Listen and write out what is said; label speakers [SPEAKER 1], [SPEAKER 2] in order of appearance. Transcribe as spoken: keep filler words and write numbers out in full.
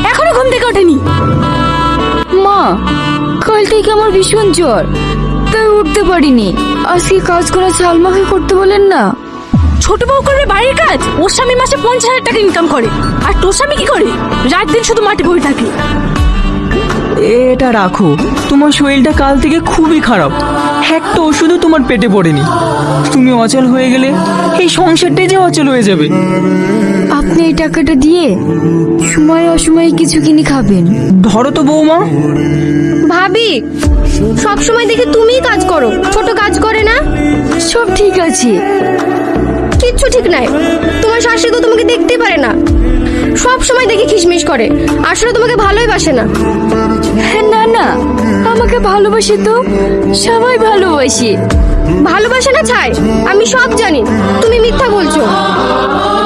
[SPEAKER 1] এখনো ঘুম থেকে ওঠেনি।
[SPEAKER 2] মা, কাল থেকে আমার ভীষণ জ্বর, তাই উঠতে পারিনি। আজকে কাজ করা সালমাকে করতে বলেন না।
[SPEAKER 1] ছোট বউ করবে বাড়ির কাজ? ওর স্বামী মাসে পঞ্চাশ হাজার টাকা ইনকাম করে, আর তোর স্বামী কি করে? রাত দিন শুধু মাঠে বসে থাকে।
[SPEAKER 3] এটা রাখো, তোমার শরীরটা কাল থেকে খুবই খারাপ, একটা ওষুধও তোমার পেটে পড়েনি। তুমি অচল হয়ে গেলে এই সংসারটাই যে অচল হয়ে যাবে।
[SPEAKER 2] আপনি এই টাকাটা দিয়ে সময় অসময়ে কিছু কিনে খাবেন।
[SPEAKER 3] ধরো তো বৌমা।
[SPEAKER 4] ভাবি, সব সময় দেখি তুমিই কাজ করো, ছোট কাজ করে না।
[SPEAKER 2] সব ঠিক আছে।
[SPEAKER 4] কিচ্ছু ঠিক নাই। তোমার শাশুড়ি তো তোমাকে দেখতেই পারে না, সব সময় দেখি খিসমিস করে, আসলে তোমাকে ভালোই বাসে না।
[SPEAKER 2] না না, আমাকে ভালোবাসে তো, সবাই ভালোবাসে।
[SPEAKER 4] ভালোবাসে না ছাই, আমি সব জানি, তুমি মিথ্যা বলছো।